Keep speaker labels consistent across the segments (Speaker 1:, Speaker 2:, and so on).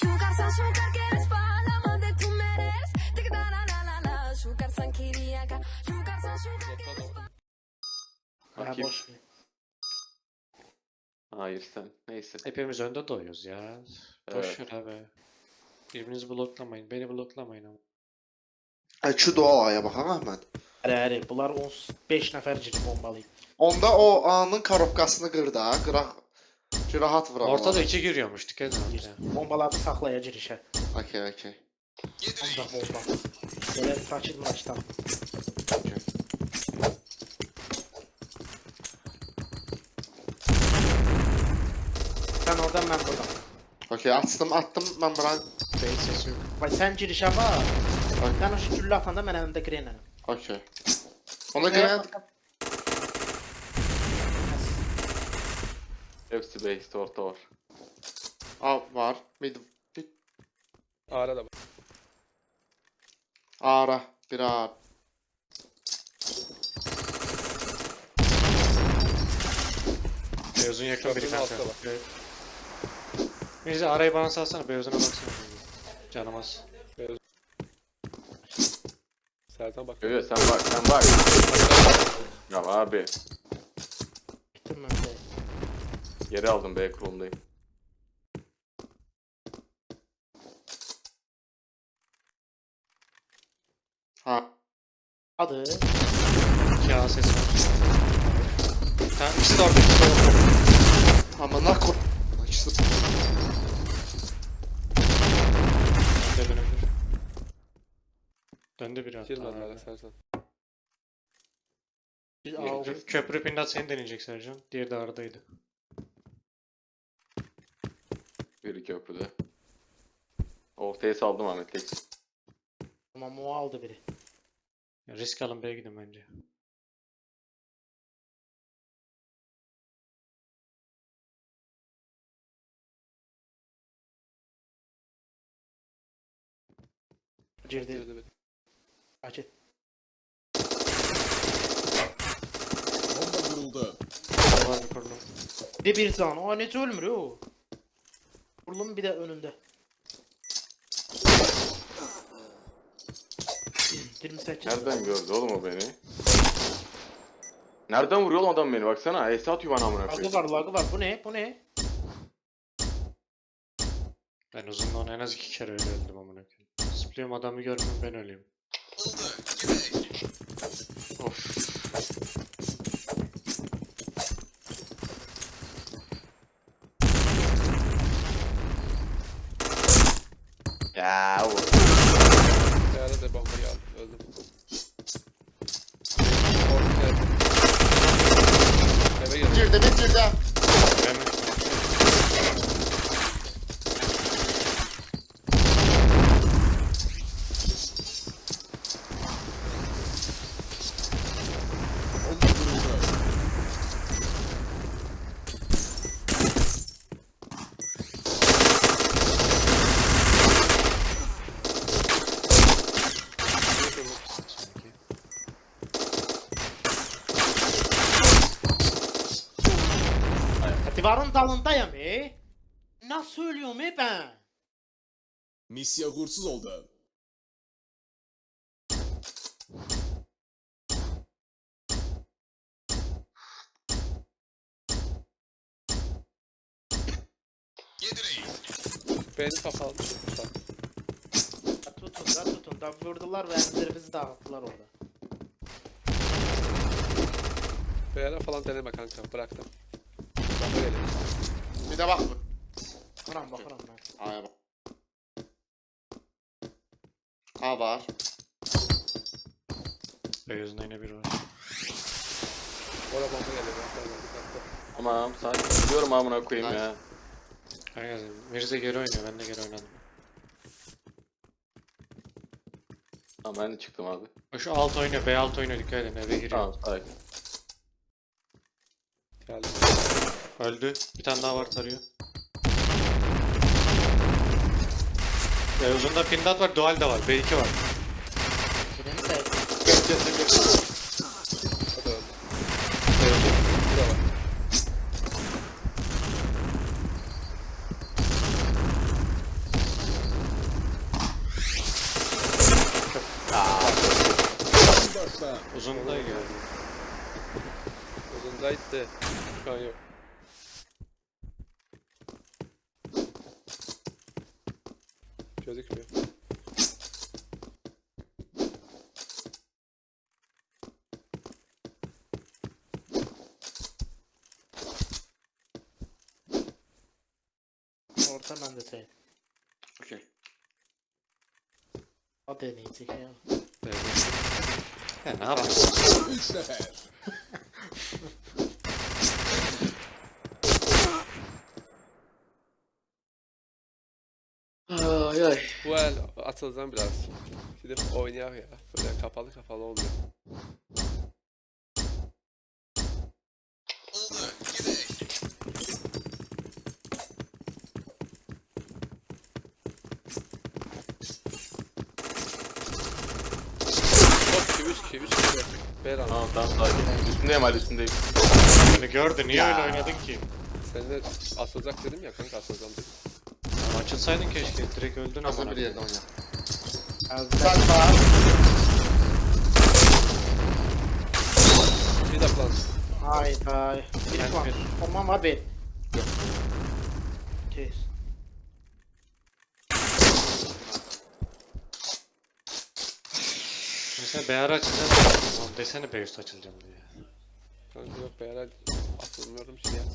Speaker 1: Ha,
Speaker 2: Kim?
Speaker 1: boş ver.
Speaker 2: Hayır sen. Neyse.
Speaker 3: Hepimiz önde doyuyoruz ya. Boş ver abi. Birbirinizi bloklamayın. Beni bloklamayın ama.
Speaker 4: Şu duaya bax ha Əhməd.
Speaker 1: Hərəri, bunlar 15 nəfər ciri bombalıyım.
Speaker 4: Onda o A'nın korobkasını qır da, qıraq ki rahat vuraq.
Speaker 3: Ortada 2 giriyormuş. Dikkat edin. Ya.
Speaker 1: Bombaları saxlaya girişə.
Speaker 4: Okey, okey.
Speaker 1: Ancaq bomba. Belə rakit mıraçdan. Sən oradan, mən buradan.
Speaker 4: Okey, attım, mən bura.
Speaker 3: Beyin sesi yok.
Speaker 1: Vay sən girişə bax. Sən o şu güllə atanda mən əlimdə grenlənəm.
Speaker 4: Okey. Ona görə
Speaker 2: Hepsi base'de orta var.
Speaker 4: A var. Mid.
Speaker 5: Ara da var.
Speaker 4: Ara. Bir A.
Speaker 3: Beyozun yakın biri
Speaker 5: Köprünün
Speaker 3: kanka.
Speaker 5: altta bak.
Speaker 3: Evet. Mirza arayı bana salsana. Beyozuna baksana. Canım az.
Speaker 5: Sertan bak.
Speaker 2: Evet sen bak sen bak. Ya abi.
Speaker 1: Bitdim mən də.
Speaker 2: Yeri aldım B kurulundayım.
Speaker 4: Ha.
Speaker 1: Adı.
Speaker 3: 2 A ses var. Tamam ikisi de orada. İkisi de orada.
Speaker 4: Amına koy. İkisi.
Speaker 3: Bir de dönebilir. Döndü biri hatta.
Speaker 5: Girmedi hala Sertan.
Speaker 1: Biz A
Speaker 3: Köprü pindat seni deneyecek Sercan. Diğeri de aradaydı.
Speaker 2: Biri köprüde. Ortaya saldım Ahmet tek.
Speaker 1: Tamam o aldı biri.
Speaker 3: Ya risk alın B'ye gidin bence.
Speaker 1: Girdi.
Speaker 5: Girdi bir.
Speaker 1: Rakit.
Speaker 6: Bomba kuruldu.
Speaker 3: Var bir kurdum.
Speaker 1: Bir de bir can. O necə ölmür o? Vurulun bir də önündə. 28.
Speaker 2: Nereden gördü oğlum o beni? Nereden vuruyor oğlum adam beni baksana. Esat yuvan amına
Speaker 1: Lagı
Speaker 2: koyayım.
Speaker 1: var, lagı var. Bu ne? Bu ne?
Speaker 3: Ben uzunla onu en az 2 kere öyle öldüm amına koyayım. Zıplıyorum adamı görmüyorum ben öleyim. Of.
Speaker 2: Ya o.
Speaker 5: Beyara da bombayı aldım. Öldüm. Ortaya. Eve girdi.
Speaker 4: Girdi, mid girdi.
Speaker 3: Ben
Speaker 6: Bomba kuruldu.
Speaker 3: sanki.
Speaker 1: Divarın dalındayım Nasıl ölüyorum ben?
Speaker 6: Misya uğursuz oldu.
Speaker 5: Beni kapalı.
Speaker 1: Tutun da vurdular ve ellerimizi dağıttılar orada.
Speaker 5: Beyara falan deneme kanka. Bıraktım. Bomba geliyor.
Speaker 4: Bir de bak.
Speaker 1: Bakıram ben.
Speaker 4: A'ya bak. A var.
Speaker 3: Beyozunda yine biri var.
Speaker 5: Oraya bomba geliyor. Dikkatli.
Speaker 2: Tamam sakin. Diyorum amına koyayım ya.
Speaker 3: Herkes Mirza geri oynuyor. Ben de geri oynadım.
Speaker 2: Tamam ben de çıktım abi.
Speaker 3: O şu alt oynuyor. B alt oynuyor. Dikkat edin. Eve giriyor.
Speaker 2: Tamam sakin.
Speaker 5: Geldi.
Speaker 3: Öldü. Bir tane daha var tarıyor. Beyozunda pindat var. Dual de var. B2 var.
Speaker 1: Birini saydım.
Speaker 5: O da öldü.
Speaker 3: Beyozun.
Speaker 5: Bu da var.
Speaker 3: Uzunda geldi.
Speaker 5: Uzundaydı. Şu an yok. Gözükmüyor.
Speaker 1: Orta ben de şey.
Speaker 4: Okey.
Speaker 1: O deneyecek ya.
Speaker 3: Ya ne yapıyorsun?
Speaker 6: 3 nefer.
Speaker 4: Ay ay.
Speaker 5: Bu el atılacağım biraz. Gidip oynayak ya. Böyle kapalı kapalı olmuyor. Hop 3 2 3 2. Beran.
Speaker 2: Tamam tamam sakin. Üstündeyim hadi üstündeyim.
Speaker 3: Beni gördü. Niye öyle oynadın ki?
Speaker 5: Sen de asılacak dedim ya kanka asılacağım dedim.
Speaker 3: Ya açılsaydın keşke. Direkt öldün
Speaker 4: Hazır
Speaker 3: ama.
Speaker 4: bir yerde oyna.
Speaker 1: Geldiler.
Speaker 4: Sen bak.
Speaker 5: Bir de plan.
Speaker 1: Hayda. Bir
Speaker 3: Ben
Speaker 1: puan.
Speaker 3: bir.
Speaker 1: Tamam abi. Kes.
Speaker 3: Mesela BR açacağım. Oğlum desene B üst açılacağım diye.
Speaker 5: Kanka yok be herhalde asılmıyorum şey yaz.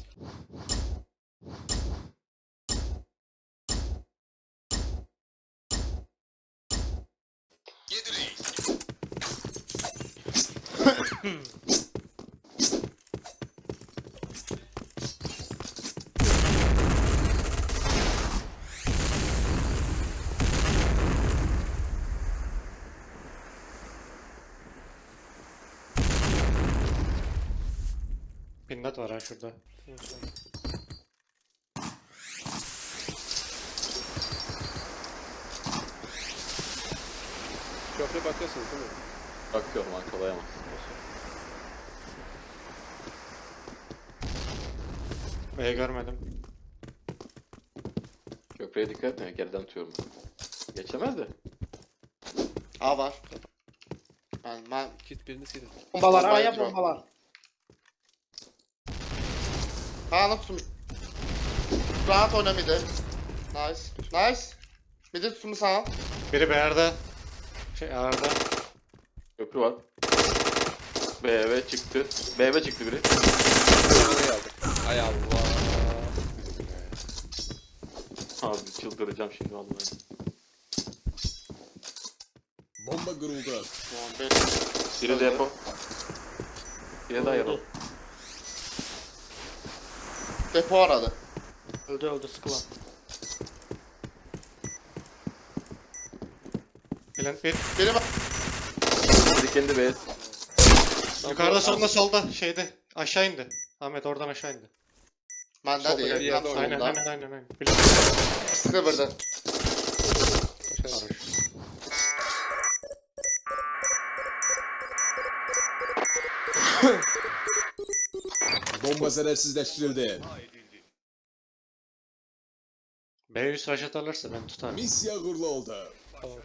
Speaker 3: Pindat var ha şurada.
Speaker 5: Köprü bakıyorsunuz değil mi?
Speaker 2: Bakıyorum arkalayamam.
Speaker 3: B görmedim.
Speaker 2: Köprüye dikkat etme geriden tutuyorum ben. Geçemez de.
Speaker 4: A var. Ben
Speaker 5: Git birini silin.
Speaker 1: Bombalar
Speaker 4: Bombayı
Speaker 1: A'ya
Speaker 4: atıyor.
Speaker 1: bombalar.
Speaker 4: Kaan'ı tutmuş. Rahat oyna midi. Nice. Nice. Midi tutmuş sana.
Speaker 3: Biri BR'da. A'da.
Speaker 2: Köprü var. BV çıktı. BV çıktı biri.
Speaker 5: Oraya aldım. Ay Allah.
Speaker 2: Abi çıldıracağım şimdi vallahi.
Speaker 6: Bomba kuruldu.
Speaker 4: Tamam, ben
Speaker 2: Biri depo. Biri daha yarı.
Speaker 1: Öldü.
Speaker 4: depo aradı.
Speaker 1: Öldü sıkılan.
Speaker 3: Plant bir.
Speaker 4: Biri bak.
Speaker 2: Biri kendi base.
Speaker 3: Yukarıda solda şeyde. Aşağı indi. Ahmet oradan aşağı indi.
Speaker 4: Bende
Speaker 5: Solda
Speaker 4: değil.
Speaker 5: bir yerde
Speaker 4: Tam
Speaker 3: Aynen
Speaker 4: solunda.
Speaker 3: aynen.
Speaker 4: Sıkıvırdı.
Speaker 5: Aşağı.
Speaker 6: Bomba zararsızlaştırıldı.
Speaker 3: B üst raşat alırsa ben tutarım.
Speaker 6: Misya uğurlu oldu.
Speaker 5: Tamam.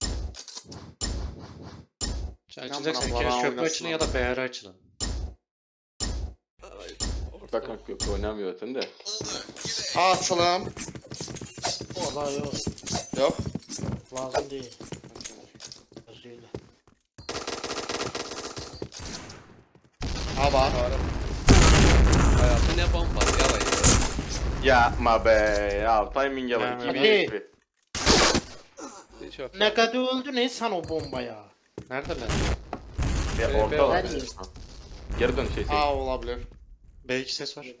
Speaker 3: Açılacaksa
Speaker 4: Yan
Speaker 3: bir
Speaker 4: bana
Speaker 3: kere köprü
Speaker 4: oynasın
Speaker 3: açılın ya
Speaker 4: abi.
Speaker 3: da BR açılın.
Speaker 2: Bakın köprü oynamıyor zaten de.
Speaker 4: A açalım.
Speaker 1: Valla yok.
Speaker 4: Yok.
Speaker 1: Lazım değil. Özüyle.
Speaker 4: A var.
Speaker 5: Hayatı ne bomba yalan ya.
Speaker 2: Yapma be ya timing'e bak.
Speaker 3: Yani
Speaker 2: İki
Speaker 1: hadi.
Speaker 2: bir.
Speaker 5: Hiç yok.
Speaker 1: Ne kadar öldü ne sen o bombaya?
Speaker 3: Nerede lan?
Speaker 2: Ya
Speaker 5: B
Speaker 2: orta var.
Speaker 1: var.
Speaker 2: Ha. Geri dön şey.
Speaker 4: A olabilir.
Speaker 3: B2 ses var.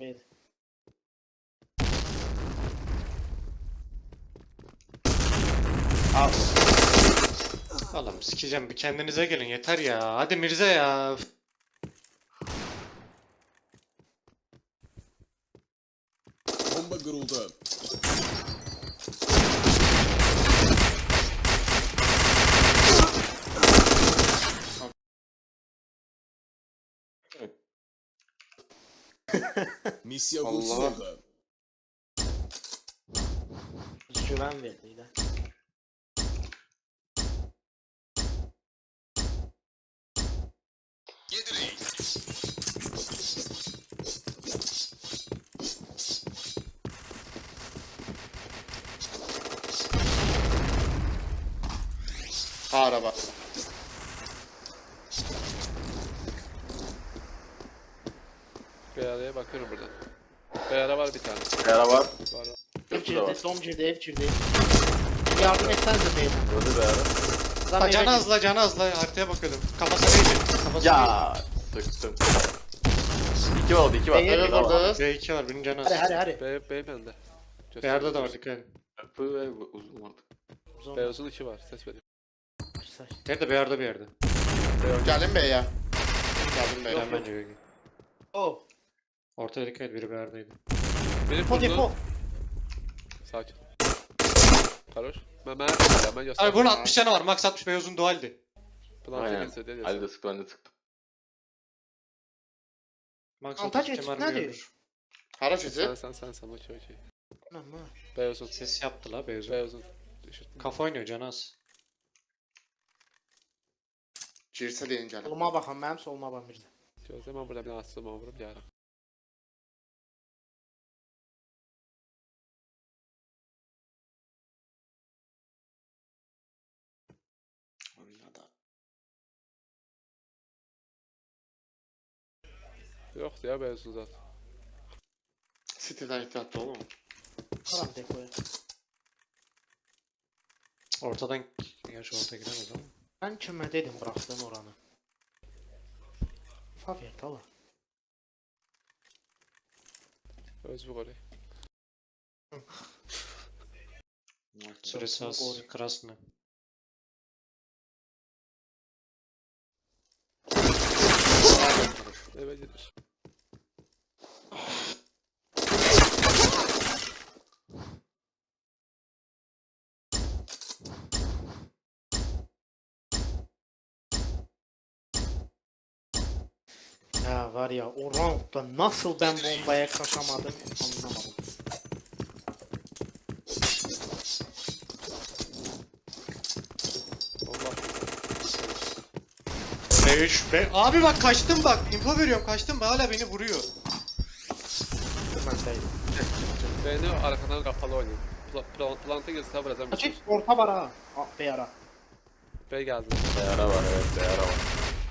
Speaker 4: A.
Speaker 3: Oğlum sikeceğim bir kendinize gelin yeter ya. Hadi Mirze ya. Üf.
Speaker 6: Bomba kuruldu. Misya uğursuz
Speaker 4: Allah.
Speaker 6: oldu.
Speaker 1: Güven verdiydi.
Speaker 4: Araba.
Speaker 5: BR'ye bakıyorum buradan. BR var bir tane.
Speaker 2: Yara var.
Speaker 5: Var.
Speaker 1: Ev
Speaker 2: Köprü de var.
Speaker 1: girdi, dom girdi, ev girdi. Yardım etsenize beyler.
Speaker 2: Öldü be yara.
Speaker 1: Adam eve
Speaker 3: Canı
Speaker 1: girdi.
Speaker 3: azla canı azla haritaya bakıyordum. Kafası neydi? Kafası
Speaker 2: Ya sıktım. 2 oldu 2 var.
Speaker 1: Beyler
Speaker 2: Evet,
Speaker 4: vurdu.
Speaker 2: var.
Speaker 3: neydi? B2 var birinin canı az.
Speaker 1: Hadi hadi.
Speaker 5: B bende.
Speaker 3: BR'de de var dikkat edin.
Speaker 2: Köprü ve uzun vardı.
Speaker 1: Uzun.
Speaker 5: B uzun 2 var. Ses veriyor.
Speaker 1: Güzel.
Speaker 3: Nerede BR'de bir yerde.
Speaker 4: Gelin bey ya. Geldim bey.
Speaker 3: Ben bence B'ye.
Speaker 1: Oh.
Speaker 3: Ortaya dikkat et biri BR'deydi.
Speaker 5: Beni
Speaker 1: Depo depo.
Speaker 5: vurdu. Sakin. Karoş. Ben göster.
Speaker 3: Abi bunun 60 canı var. Max 60 B uzun dualdi.
Speaker 5: Plantı
Speaker 2: Aynen.
Speaker 5: kese diye
Speaker 2: Ali de sıktı ben de sıktım.
Speaker 3: Max
Speaker 1: Antaç
Speaker 3: 30
Speaker 1: etik
Speaker 3: kemer
Speaker 1: ne
Speaker 3: mi
Speaker 1: diyor?
Speaker 3: görür?
Speaker 4: Hara fizi.
Speaker 5: Sen okey.
Speaker 1: Ama.
Speaker 5: B uzun.
Speaker 3: Ses yaptı la B uzun.
Speaker 5: B uzun. Düşürttüm.
Speaker 3: Kafa oynuyor canı az.
Speaker 4: Girsə deyin gəlin.
Speaker 1: Soluma baxan, mənim soluma baxan bir də.
Speaker 5: Gözle ben burada bir asılma vurup yarım. Yoktu ya B uzun zaten.
Speaker 4: City'dən ehtiyatlı olun.
Speaker 1: Qaram depoya.
Speaker 3: Ortadan gerçi orta giremez ama.
Speaker 1: Mən kimə dedim bıraxdın oranı? Favir tala.
Speaker 5: Öz bu golü.
Speaker 3: Süresi az. Krasnı.
Speaker 5: Eve gider.
Speaker 1: Ya var ya o roundda nasıl ben bombaya kaçamadım anlamadım.
Speaker 5: Allah.
Speaker 3: B3 B... Abi bak kaçtım bak. Info veriyorum kaçtım hala beni vuruyor.
Speaker 1: Bilmeseydim.
Speaker 5: Beni arkadan kapalı oynuyor. Planta girse vuracağım.
Speaker 1: Açık orta var ha. Bir ara.
Speaker 5: B geldi.
Speaker 2: Yara var evet yara var.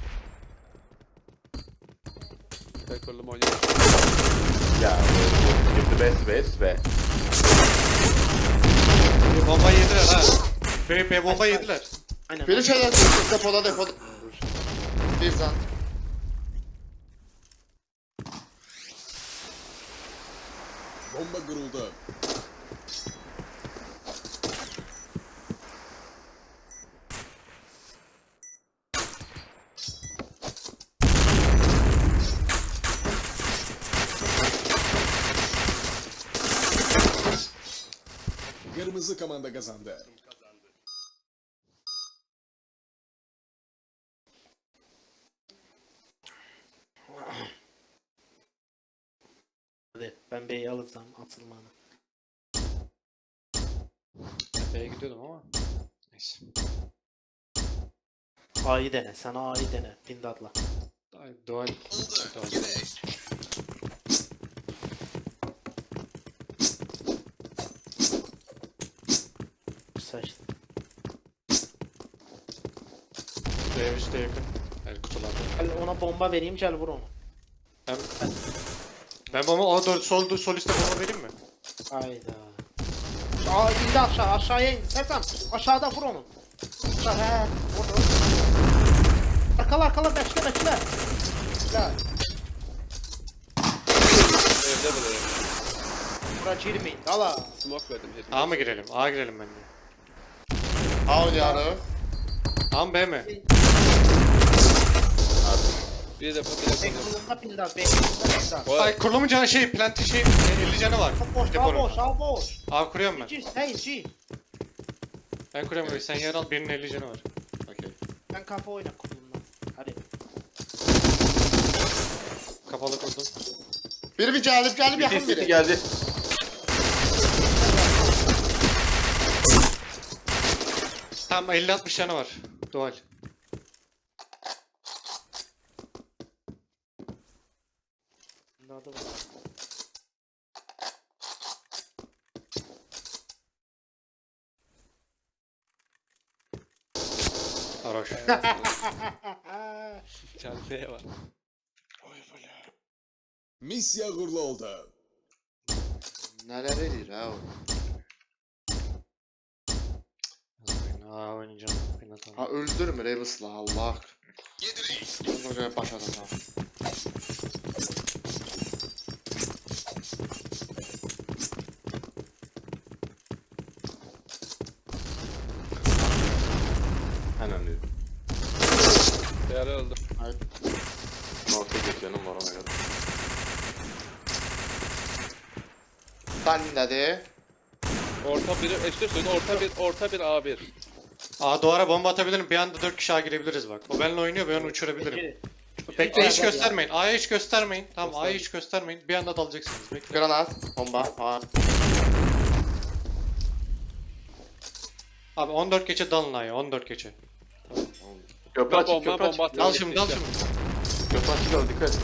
Speaker 5: B kurulum oynuyor.
Speaker 2: Ya girdi bes be.
Speaker 3: Bomba yediler ha. B bomba yediler.
Speaker 1: Aynen.
Speaker 4: Biri şeyler depoda depoda. Bir zan.
Speaker 6: Bomba kuruldu. Kırmızı komanda kazandı.
Speaker 1: Hadi ben B'yi alırsam atılmanı.
Speaker 3: B'ye gidiyordum ama. Neyse.
Speaker 1: A'yı dene. Sen A'yı dene. Pindadla.
Speaker 3: Ay, Dual.
Speaker 1: Seçtim.
Speaker 3: B3 de yakın. Yani kutularda.
Speaker 1: Gel ona bomba vereyim gel vur onu.
Speaker 3: Ben... Ben bomba o sol üstte bomba vereyim mi?
Speaker 1: Hayda. Aa indi aşağıya indi. Sersem aşağıda vur onu. Aşağı he. Vur. Arkala bekle. Bekle.
Speaker 5: Evde bile.
Speaker 1: Bura girmeyin. Valla.
Speaker 5: Smoke verdim.
Speaker 3: A mı girelim? A girelim bence.
Speaker 4: A oynayarı.
Speaker 3: A mı B mi?
Speaker 5: Bir defa bir defa.
Speaker 1: Beklumda pindad. Beklumda pindad.
Speaker 5: Vay.
Speaker 3: Ay kurulumun canı şey, planti şey 50 canı var.
Speaker 1: Boş
Speaker 3: Deponun.
Speaker 1: boş.
Speaker 3: Abi kuruyorum ben.
Speaker 1: Gir hayır gir.
Speaker 3: Ben kuruyorum burayı. Sen yer al birinin 50 canı var.
Speaker 4: Okey.
Speaker 1: Ben kafa oyna kurulumdan. Hadi.
Speaker 3: Kapalı kurdum.
Speaker 4: Biri bir gelip yakın
Speaker 2: City
Speaker 4: biri.
Speaker 2: geldi.
Speaker 3: Tamam 50-60 canı var. Dual.
Speaker 1: Pindadı var.
Speaker 3: Haroş.
Speaker 5: Kendine var.
Speaker 6: Misya uğurlu oldu.
Speaker 4: Neler edir ha o?
Speaker 3: Aa oynayacağım.
Speaker 4: Ha öldürmür Evis'la Allah. Böyle başa da sağ.
Speaker 2: Hemen dedim.
Speaker 5: Beyler öldü.
Speaker 2: Orta geçenim var ona göre.
Speaker 4: Ben dedi.
Speaker 5: Orta biri eşit söyle. Orta bir A1.
Speaker 3: Aa duvara bomba atabilirim. Bir anda 4 kişi A girebiliriz bak. O benimle oynuyor, ben onu uçurabilirim. Bekle hiç göstermeyin. A'ya hiç göstermeyin. Tamam A'ya hiç göstermeyin. Bir anda dalacaksınız. Bekle.
Speaker 4: Granat, bomba. Ha.
Speaker 3: Abi 14 geçe dalın A'ya. 14 geçe.
Speaker 2: Köprü açık,
Speaker 5: Bomba
Speaker 2: köprü açık.
Speaker 5: bomba.
Speaker 3: Dal şimdi, dal şimdi.
Speaker 2: Köprü açık al, dikkat et.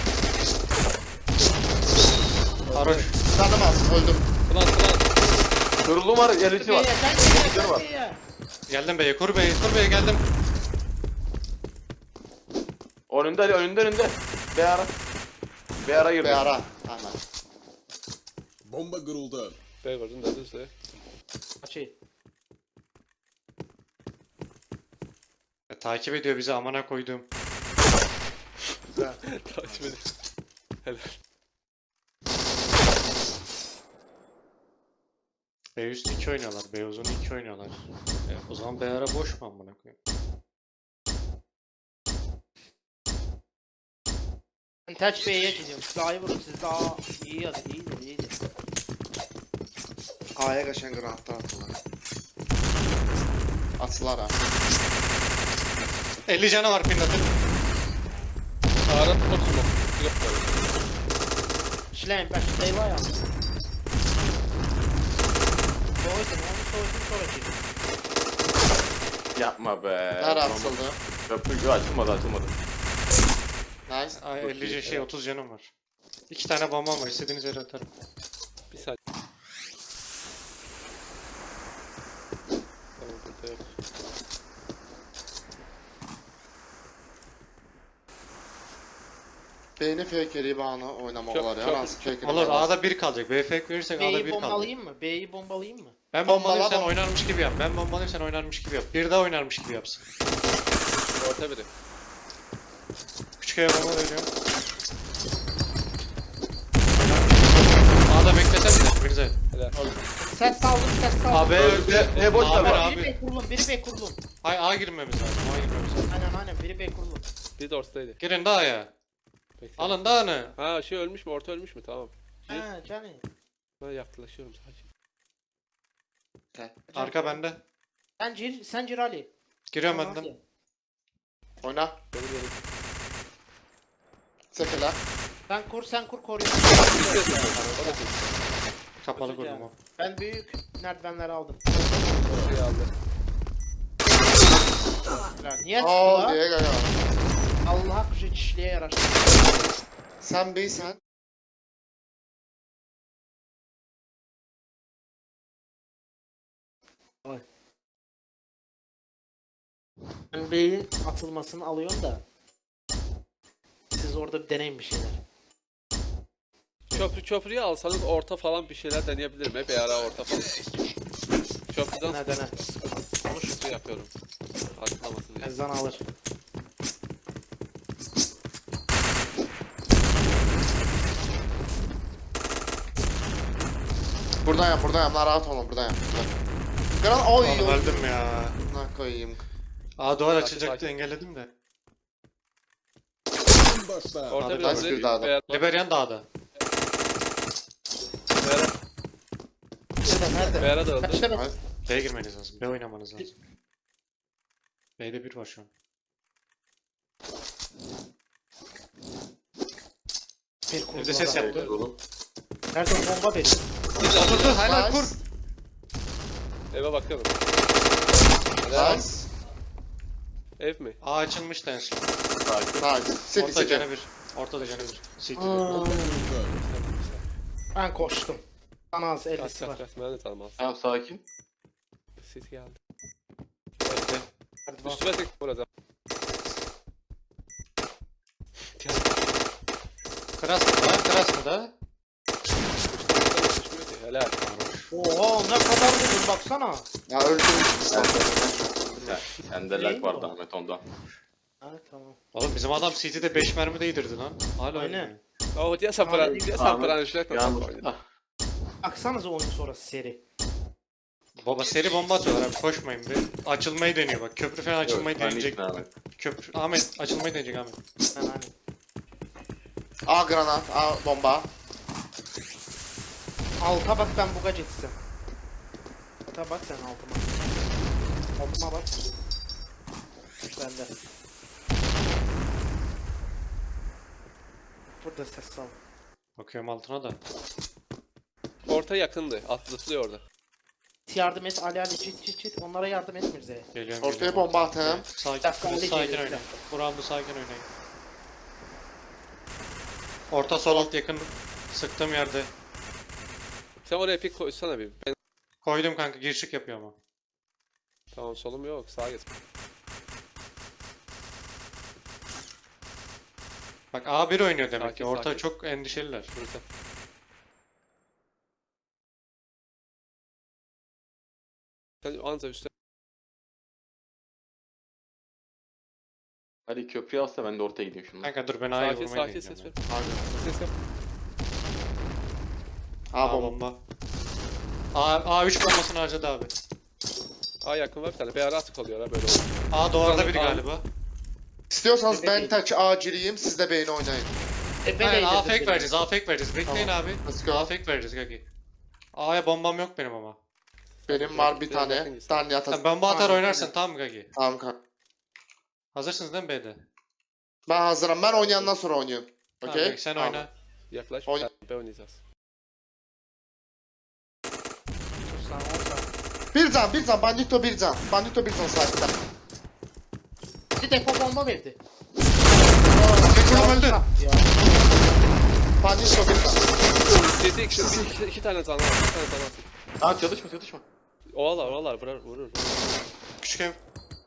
Speaker 3: Haroş.
Speaker 4: Canım az, öldüm.
Speaker 5: Ulan.
Speaker 2: Kırılım var, yerlisi var. Güzel var.
Speaker 3: Geldim B'ye. Kur B'ye. Kur B'ye geldim.
Speaker 2: Önünde. Bir ara girdi.
Speaker 4: Bir ara. Aynen.
Speaker 6: Bomba kuruldu.
Speaker 5: B gördün de düzde.
Speaker 1: Açayım.
Speaker 3: Takip ediyor bizi amına koyduğum.
Speaker 5: Takip edin. Helal.
Speaker 3: B üstü 2 oynuyorlar. B uzun 2 oynuyorlar. O zaman B ara boş mu amına koyayım?
Speaker 1: Ben Touch B'ye gidiyorum. Siz A'yı vurun. Siz daha iyi yazın. İyidir.
Speaker 4: A'ya kaçan granatlar attılar. Atılar ha.
Speaker 3: 50 canı var Pinnat'ın.
Speaker 5: Ağrı top smoke. Yok böyle.
Speaker 1: Şleym ben şu deyva ya. Soğudum sonra girdim.
Speaker 2: Yapma be.
Speaker 4: Nerede atıldı?
Speaker 2: Köprü açılmadı.
Speaker 4: Nice.
Speaker 3: Ay 50 şey 30 canım var. 2 tane bombam var. İstediğiniz yere atarım.
Speaker 5: Bir saniye. Tamam burada yok.
Speaker 4: Beyni fake'li bana oynamalar ya.
Speaker 5: Çok-
Speaker 4: Nasıl fake'li?
Speaker 3: Olur A'da 1 kalacak. B fake verirsek A'da 1
Speaker 1: B'yi
Speaker 3: kalacak.
Speaker 1: bombalayayım mı? B'yi bombalayayım mı?
Speaker 3: Ben
Speaker 4: Bombala,
Speaker 3: bombalayayım sen
Speaker 4: bomba.
Speaker 3: oynarmış gibi yap. Ben bombalayayım sen oynarmış gibi yap. Bir daha oynarmış gibi yapsın.
Speaker 5: Orta biri.
Speaker 3: Küçük aya bomba veriyorum. A'da beklesene de Mirza.
Speaker 5: Helal.
Speaker 1: Ses saldım.
Speaker 3: AB öldü.
Speaker 2: Ne boş ver
Speaker 3: Abi,
Speaker 2: bak.
Speaker 3: abi.
Speaker 1: Biri B kurulum.
Speaker 3: Hayır A girmemiz lazım. A girmemiz lazım.
Speaker 1: Aynen biri B kurulum.
Speaker 5: Bir de ortadaydı.
Speaker 3: Girin daha ya.
Speaker 5: Bekle.
Speaker 3: Alın daha ne?
Speaker 5: Ha şey ölmüş mü? Orta ölmüş mü? Tamam.
Speaker 1: He canım.
Speaker 5: Ben yaklaşıyorum sadece.
Speaker 3: Arka bende.
Speaker 1: Sen gir Ali.
Speaker 3: Giriyorum
Speaker 1: Tamam,
Speaker 3: benden.
Speaker 1: Ali.
Speaker 4: Oyna.
Speaker 5: Benim yerim.
Speaker 4: Sefeler.
Speaker 1: Sen kur koruyor.
Speaker 3: Kapalı kurdum o.
Speaker 1: Ben büyük merdivenleri aldım.
Speaker 5: Ortayı aldı.
Speaker 1: Niye
Speaker 4: Aa
Speaker 1: sıktılar?
Speaker 4: diye gaya.
Speaker 1: Allah kuşu çişliğe yarar.
Speaker 4: Sen beysen.
Speaker 1: Ben B'yin atılmasını alıyorum da. Siz orada bir deneyin bir şeyler.
Speaker 5: Köprüyü alsanız orta falan bir şeyler deneyebilirim. Hep ara orta falan. Köprüden
Speaker 1: Dene.
Speaker 5: konuştu yapıyorum. Atlamasın diye.
Speaker 1: Ezan alır.
Speaker 4: Buradan yap. Lan rahat olma buradan yap. Granat oy.
Speaker 3: Oğlum öldüm ya.
Speaker 4: Ne koyayım.
Speaker 3: A duvar
Speaker 5: Sakin,
Speaker 3: açılacaktı
Speaker 5: sakin.
Speaker 3: engelledim de.
Speaker 6: Başla.
Speaker 5: Orta
Speaker 3: Hadi
Speaker 5: biraz
Speaker 4: ben bir daha da.
Speaker 3: Liberian dağda.
Speaker 1: Nerede?
Speaker 5: Beyara da öldü.
Speaker 1: Kaçta ben?
Speaker 3: B'ye girmeniz lazım. B oynamanız lazım. B'de 1 var şu an.
Speaker 1: Bir kurdu
Speaker 3: Evde ses
Speaker 1: adam.
Speaker 3: yaptı.
Speaker 1: Nerede bomba benim?
Speaker 3: Oturdu helal kur.
Speaker 4: Nice.
Speaker 5: Eve bakıyorum.
Speaker 4: Nice.
Speaker 5: Ev mi?
Speaker 3: A açılmıştı en son.
Speaker 4: Nice. City
Speaker 3: Orta
Speaker 4: city.
Speaker 3: canı 1. Ortada canı 1. City'de.
Speaker 6: Kuruldu.
Speaker 1: Ben koştum. Bana az
Speaker 5: Kaç
Speaker 1: 50'si var.
Speaker 5: kaç kaç. Ben de tanımaz.
Speaker 2: Tamam sakin.
Speaker 5: Ses geldi.
Speaker 3: Bekle.
Speaker 1: Hadi bak.
Speaker 5: Üstüme tek burada.
Speaker 3: Kras mı da? Kras mı da?
Speaker 5: Düşmüyor ki. Helal.
Speaker 1: Oha ne kadar vurdun baksana.
Speaker 4: Ya öldüm.
Speaker 2: Ya, sende lag vardı Ahmet ondan.
Speaker 1: Ha tamam.
Speaker 3: Oğlum bizim adam CT'de 5 mermi değdirdi lan. Hala
Speaker 1: Aynen.
Speaker 3: oynuyor.
Speaker 5: Oh, dia sapran. Dia sapran. Üstüme
Speaker 2: Yağmur.
Speaker 5: tek.
Speaker 1: Baksanıza oyun sonrası seri.
Speaker 3: Baba seri bomba atıyorlar abi koşmayın bir. Açılmayı deniyor bak. Köprü falan açılmayı deneyecek. Köprü Ahmet açılmayı deneyecek Ahmet.
Speaker 1: Ben hani.
Speaker 4: A granat, A bomba.
Speaker 1: Alta bak ben buga geçsem. Alta bak sen altıma. Altıma bak sen. Bende. Burada ses sal.
Speaker 3: Bakıyorum altına da.
Speaker 5: Orta yakındı. Atlatılıyor orada.
Speaker 1: Yardım et Ali Ali çit onlara yardım et Mirze'ye.
Speaker 3: Geliyorum.
Speaker 4: Ortaya
Speaker 3: geliyorum.
Speaker 4: bomba atayım.
Speaker 3: Sakin,
Speaker 1: Dakika, Ali
Speaker 3: sakin
Speaker 1: geliyor,
Speaker 3: oynayın.
Speaker 1: bir
Speaker 3: Bu roundu sakin oynayın. Orta sol alt yakın. Sıktığım yerde.
Speaker 5: Sen oraya pik koysana bir. Ben...
Speaker 3: Koydum kanka girişik yapıyor ama.
Speaker 5: Tamam solum yok. Sağa geç.
Speaker 3: Bak A1 oynuyor demek
Speaker 5: Sakin,
Speaker 3: ki. Orta
Speaker 5: sakin.
Speaker 3: çok endişeliler.
Speaker 5: Burada. Sen anca üstte.
Speaker 2: Hadi köprüyü alsa ben de ortaya gideyim şimdi.
Speaker 3: Kanka dur ben A'ya
Speaker 5: Sakin
Speaker 3: vurmayı
Speaker 5: sakin
Speaker 3: deneyeceğim.
Speaker 5: ses ver.
Speaker 3: ya.
Speaker 5: Ses yap.
Speaker 4: A
Speaker 3: A
Speaker 4: bomba.
Speaker 3: bomba. A3 bombasını harcadı abi.
Speaker 5: A yakın var bir tane. Bir ara atık oluyor ha böyle olur.
Speaker 3: A duvarda biri
Speaker 5: A.
Speaker 3: galiba.
Speaker 4: İstiyorsanız ben tek A gireyim, siz de B'ni oynayın.
Speaker 3: Aynen A fake vereceğiz, A fake vereceğiz. Bekleyin
Speaker 4: Tamam.
Speaker 3: abi.
Speaker 4: Let's go.
Speaker 3: A fake vereceğiz Gagi. A'ya bombam yok benim ama.
Speaker 4: Benim var bir
Speaker 5: Biraz yakın
Speaker 4: tane.
Speaker 5: gitsin.
Speaker 4: Tane atas.
Speaker 3: Sen bomba atar
Speaker 1: Aynen.
Speaker 3: oynarsın tamam mı Gagi?
Speaker 4: Tamam kanka.
Speaker 3: Hazırsınız değil mi B'de?
Speaker 4: Ben hazırım. Ben oynayandan sonra oynuyorum.
Speaker 3: Tamam,
Speaker 4: Okey?
Speaker 3: Gagi, sen
Speaker 4: Tamam.
Speaker 3: oyna.
Speaker 5: Yaklaş.
Speaker 4: Oyna.
Speaker 5: B oynayacağız.
Speaker 1: Sus lan olsa.
Speaker 4: Bir can. Bandito bir can. Bandito bir can sahipten.
Speaker 1: Bir depo bomba verdi.
Speaker 3: Kekulum öldü.
Speaker 1: Ya.
Speaker 4: Bandito bir can.
Speaker 5: City iki tane canı var. İki tane canı var.
Speaker 2: Aa çalışma.
Speaker 5: Ovalar vurur.
Speaker 3: Küçük ev.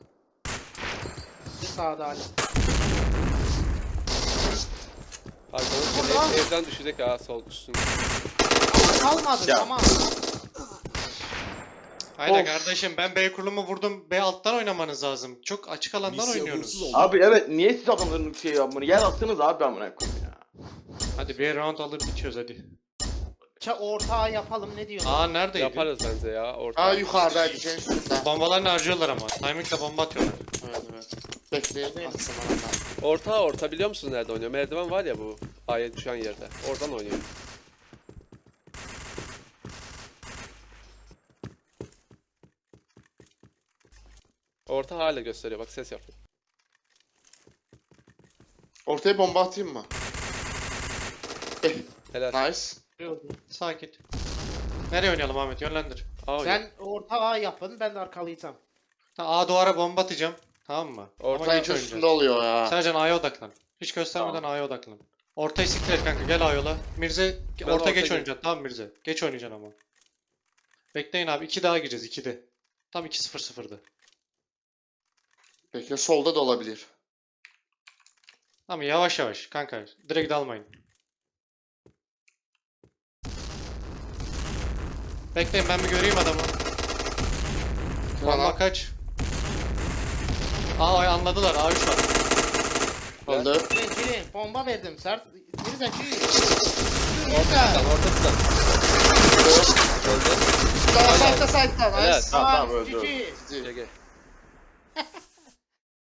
Speaker 1: Bir sağda Ali.
Speaker 5: Arkamız
Speaker 1: Ulan!
Speaker 5: evden düşecek ha sol üstün.
Speaker 1: Kalmadı
Speaker 2: Ya.
Speaker 1: tamam.
Speaker 3: Aynen
Speaker 4: Of.
Speaker 3: kardeşim ben B kurulumu vurdum. B alttan oynamanız lazım. Çok açık alandan
Speaker 6: Misya
Speaker 3: oynuyorsunuz.
Speaker 6: vursuz oldu.
Speaker 2: Abi evet niye siz adamların şey yapmanı yer attınız abi amına koyayım ya.
Speaker 3: Hadi bir round alır bitiyoruz hadi.
Speaker 1: Ortağı yapalım ne diyorsun?
Speaker 3: Aa neredeydi?
Speaker 5: Yaparız bence ya orta.
Speaker 4: A yukarıdaydı senin üstünde.
Speaker 3: Bombalarını harcıyorlar ama. Timingle bomba atıyorlar.
Speaker 4: Evet. Bekleyin. Atsın bana.
Speaker 5: Orta biliyor musun nerede oynuyor? Merdiven var ya bu A'ya düşen yerde. Oradan oynuyor. Orta hala gösteriyor bak ses yapıyor.
Speaker 4: Ortaya bomba atayım mı?
Speaker 5: Helal.
Speaker 4: Nice.
Speaker 3: Sakin. Nereye oynayalım Ahmet? Yönlendir.
Speaker 5: A oynuyor.
Speaker 1: Sen ortağı yapın ben de arkalayacağım.
Speaker 3: A duvara bomba atacağım. Tamam mı?
Speaker 5: Orta
Speaker 3: Ama geç
Speaker 4: Sanki üstünde
Speaker 3: oynayacağız.
Speaker 4: oluyor ya.
Speaker 3: Sercan A'ya odaklan. Hiç göstermeden A'ya odaklan. Ortayı siktir et kanka gel A'ya yola. Mirze
Speaker 5: Ben
Speaker 3: orta
Speaker 5: orta
Speaker 3: geç
Speaker 5: gel-
Speaker 3: oynayacaksın tamam Mirze. Geç oynayacaksın ama. Bekleyin abi 2 daha gireceğiz 2'de. Tam 2-0-0'dı.
Speaker 4: Bekle solda da olabilir.
Speaker 3: Tamam yavaş yavaş kanka. Direkt dalmayın. Bekleyin ben bir göreyim adamı. Bomba
Speaker 4: Tamam.
Speaker 3: kaç? Aa anladılar A3 var.
Speaker 4: Öldü.
Speaker 1: Girin bomba verdim sert. Mirze gir.
Speaker 5: Orta tutan. Öldü.
Speaker 4: Daha sahipte sahipten.
Speaker 5: Helal.
Speaker 4: Nice.
Speaker 2: Tamam öldü.
Speaker 1: GG.
Speaker 5: GG.